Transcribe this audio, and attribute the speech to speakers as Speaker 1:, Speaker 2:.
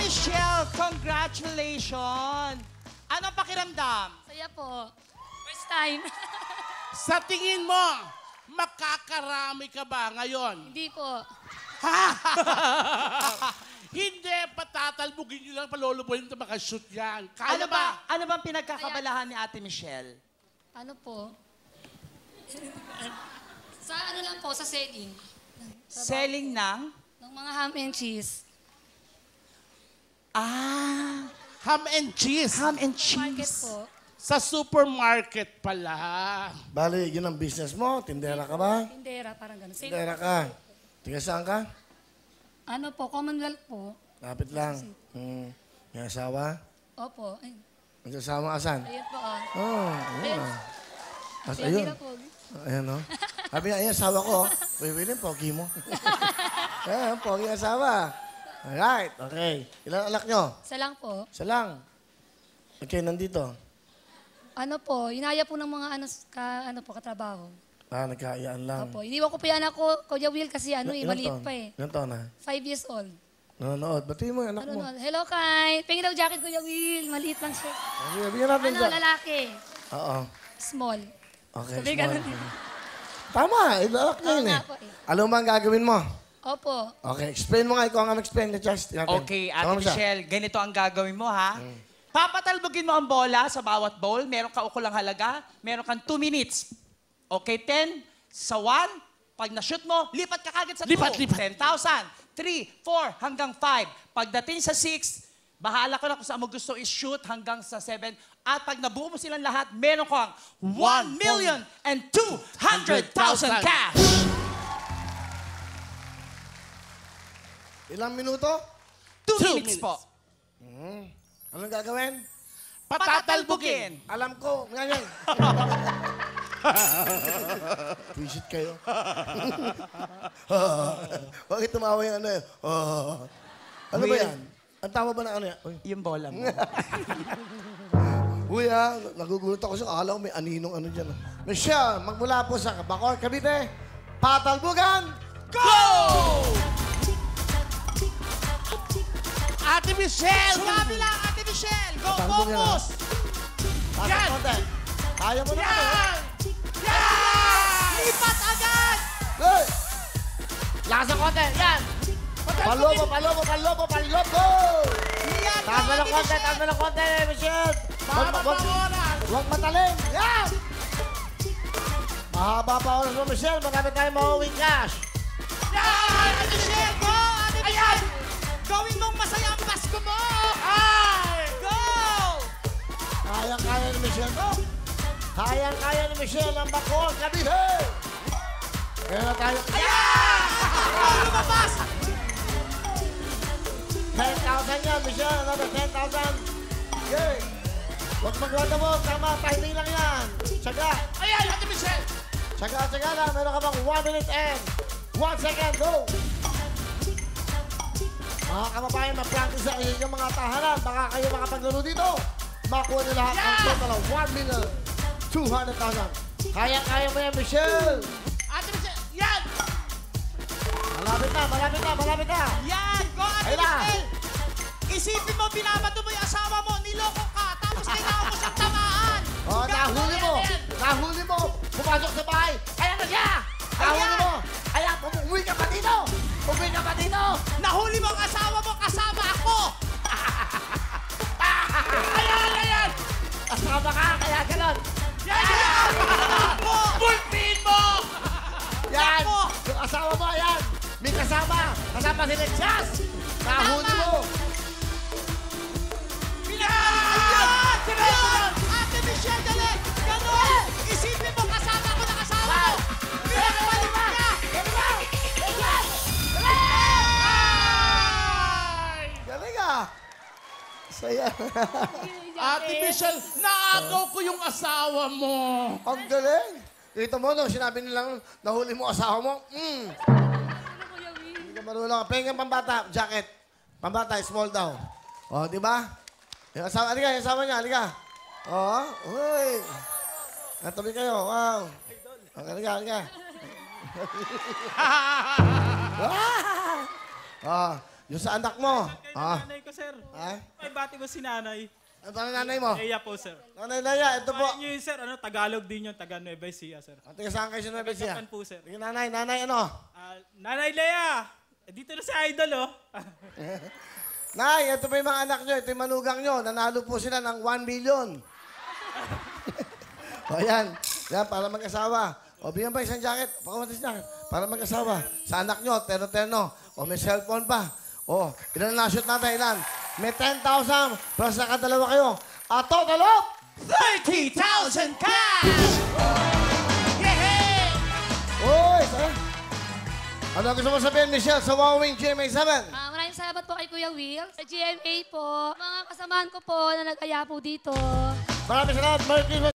Speaker 1: Michelle, congratulations! Anong pakiramdam?
Speaker 2: Saya po. First time.
Speaker 3: Sa tingin mo, makakarami ka ba ngayon?
Speaker 2: Hindi po.
Speaker 3: Hindi, patatalbugin nyo lang, palolobohin ito makashoot yan.
Speaker 1: Ano
Speaker 3: Kaya ba?
Speaker 1: ba? Ano bang pinagkakabalahan ni Ate Michelle?
Speaker 2: Ano po? Sa ano lang po, sa selling.
Speaker 1: Selling ng?
Speaker 2: Ng mga ham and cheese.
Speaker 1: Ah,
Speaker 3: Ham and cheese.
Speaker 1: ham and
Speaker 2: Market
Speaker 1: cheese.
Speaker 2: po.
Speaker 3: Sa supermarket pala.
Speaker 4: Bali, yun ang business mo? Tindera ka ba?
Speaker 2: Tindera, parang gano'n. Sale.
Speaker 4: Tindera ka. Tiga saan ka?
Speaker 2: Ano po, Commonwealth po.
Speaker 4: Lapit lang. May asawa?
Speaker 2: Opo. Ay,
Speaker 4: May asawa asan?
Speaker 2: ayun po ah.
Speaker 4: Oh, ayun ah. As,
Speaker 2: Ayun.
Speaker 4: ayun.
Speaker 2: po.
Speaker 4: Ayan o. Sabi niya, ayun, asawa ko. William, pogi mo. Ayan, pogi asawa. Alright, okay. Ilan anak nyo?
Speaker 2: Isa lang po.
Speaker 4: Isa lang. Okay, nandito.
Speaker 2: Ano po, inaya po ng mga katrabaho.
Speaker 4: Nagkaayaan lang.
Speaker 2: Opo, iniwan ko po yung anak ko, Kuya Will, kasi maliit
Speaker 4: taon?
Speaker 2: pa eh.
Speaker 4: Ilan taon na?
Speaker 2: 5 years old.
Speaker 4: Nanonood. Batiin mo yung anak mo.
Speaker 2: Hello, Kai. Pingin daw jacket, Kuya Will. Maliit lang siya.
Speaker 4: Okay, bigyan natin
Speaker 2: Ano,
Speaker 4: dyan.
Speaker 2: lalaki.
Speaker 4: Oo.
Speaker 2: Small.
Speaker 4: Okay,
Speaker 2: Sabi
Speaker 4: small.
Speaker 2: ganun.
Speaker 4: Tama, ilalak niya
Speaker 2: Oo
Speaker 4: yun eh.
Speaker 2: nga po eh.
Speaker 4: Alam mo ba ang gagawin mo?
Speaker 2: Opo.
Speaker 4: Okay, explain mo nga. Ikaw ang explain na just.
Speaker 1: Okay, Ate Michelle, ganito ang gagawin mo, ha? Papatalbogin mo ang bola sa bawat bowl. Meron ka ukulang halaga. Meron kang 2 minutes. Okay, 10 sa 1. Pag na-shoot mo, lipat ka kagad sa 2.
Speaker 3: Lipat, lipat.
Speaker 1: 10,000. 3, 4, hanggang 5. Pagdating sa 6, bahala ko na kung saan mo gusto i-shoot hanggang sa 7. At pag nabuo mo silang lahat, meron kang 1,200,000 cash!
Speaker 4: Ilang minuto?
Speaker 1: 2 minutes po.
Speaker 4: Anong gagawin?
Speaker 1: Patatalbogin.
Speaker 4: Alam ko. Ngayon. Visit kayo. Bakit tumawa yung ano yun? Ano ba
Speaker 1: Will.
Speaker 4: yan? Ang tama ba na ano yan? Uy.
Speaker 1: Yung bola mo.
Speaker 4: Uy nagugulat ako sa akala ko may aninong ano dyan. Michelle, magmula po sa Bacoor, Cavite, patalbugan!
Speaker 1: Go!
Speaker 3: Ate Michelle!
Speaker 1: Sabi lang, Ate Michelle! Go,
Speaker 4: Patalbog yan,
Speaker 1: focus!
Speaker 4: Pasok
Speaker 3: Yan!
Speaker 4: konti. Kaya mo na ano?
Speaker 3: Yan! Yan!
Speaker 1: Lipat agad!
Speaker 4: Hey!
Speaker 1: Lakas ng konti, yan!
Speaker 4: Palobo, palobo, palobo, palobo!
Speaker 1: Yan!
Speaker 4: Taas
Speaker 1: go,
Speaker 4: na ng
Speaker 1: Ate
Speaker 4: konti,
Speaker 1: Michelle!
Speaker 4: taas na ng konti, Michelle!
Speaker 3: Mahaba pa oras!
Speaker 4: Huwag matalim! Yan! Mahaba pa oras mo, Michelle. Marami tayong mauwing cash.
Speaker 1: Yan! Ate Michelle, go! Ate Michelle! Gawin mong masaya ang Pasko mo!
Speaker 3: Ay!
Speaker 1: Go!
Speaker 4: Kayang-kaya ni Michelle to. Kayang-kaya ni Michelle ang Bacoor, Cavite! Kaya na tayo.
Speaker 1: Ayan! Lumabas!
Speaker 4: 10,000 yan, Michelle. Another 10,000. Yay! Huwag magwada mo. Tama, timing lang yan. Tsaga.
Speaker 3: Ayan, Ate Michelle!
Speaker 4: Tsaga lang. Meron ka bang 1 minute and 1 second. Go! Mga kababayan, mag-practice sa inyong mga tahanan. Baka kayo makapaglaro dito. Makuha nyo lahat ng total of 1,200,000. Kaya-kaya mo yan, Michelle.
Speaker 3: Ate Michelle! Yan!
Speaker 4: Malapit na, malapit na, malapit na.
Speaker 1: Yan! Go, Ate
Speaker 4: Ayun na.
Speaker 1: Michelle! Isipin mo, binabato mo yung asawa mo, niloko ka, tapos kailangan mo siyang tamaan!
Speaker 4: Oh, nahuli mo. Nahuli mo. Pumasok sa bahay. Ayan na siya. Nahuli mo. Ayan, umuwi ka pa dito. Umuwi ka pa dito.
Speaker 1: Nahuli mo ang asawa mo, kasama ako!
Speaker 4: Ayan. Asama ka, kaya ganon.
Speaker 1: Yan! Ako!
Speaker 3: Pulpin mo!
Speaker 4: Yan.
Speaker 1: Nako.
Speaker 4: Yung asawa mo, ayan. May kasama. Kasama si Lechas. Nahuli mo.
Speaker 1: Ayan! Ayan! Ate Michelle, dali! Ganon! Isipin mo, kasama ko ng asawa mo! Pinagpalit ka!
Speaker 4: Galing ah. Saya.
Speaker 3: Ate Michelle, naagaw ko yung asawa mo.
Speaker 4: Ang galing. Kita mo, no, sinabi nilang nahuli mo asawa mo. Hindi ka marunong. Pengen pambata, jacket. Pambata, small daw. O, di ba? Yung asawa, halika, yung asawa niya, halika. O, uy. Natabi kayo, wow. Okay, halika. Yung sa anak mo.
Speaker 5: Kay
Speaker 4: Ah.
Speaker 5: nanay ko, sir.
Speaker 4: Ha?
Speaker 5: Ay, bati ko si nanay.
Speaker 4: Ano pa nanay mo?
Speaker 5: Eya po, sir.
Speaker 4: Nanay Laya, ito po.
Speaker 5: Kaya nyo yun, sir. Tagalog din yun. Taga Nueva Ecija, sir.
Speaker 4: Ate, saan kayo sa Nueva Ecija?
Speaker 5: Japan po, sir.
Speaker 4: Sige, nanay, ano?
Speaker 5: Nanay Lea! Dito na si Idol, oh.
Speaker 4: Nay, ito pa yung mga anak nyo, ito yung manugang nyo. Nanalo po sila ng 1 million. O yan, yan, para mag-asawa. O bigyan pa isang jacket, pakawatis jacket, para mag-asawa. Sa anak nyo, terno-terno. O may cellphone pa. O, ilan na shoot natin, ilan? May 10,000 plus nakadalawa kayo. At total of
Speaker 1: 30,000 cash!
Speaker 4: Uy, saan? Ano gusto mo sabihin, Michelle, sa Wowing GMA7?
Speaker 2: Maraming salamat po kay Kuya Will. Sa GMA po, mga kasamahan ko po na nag-aya po dito.
Speaker 4: Maraming salamat, Merry Christmas.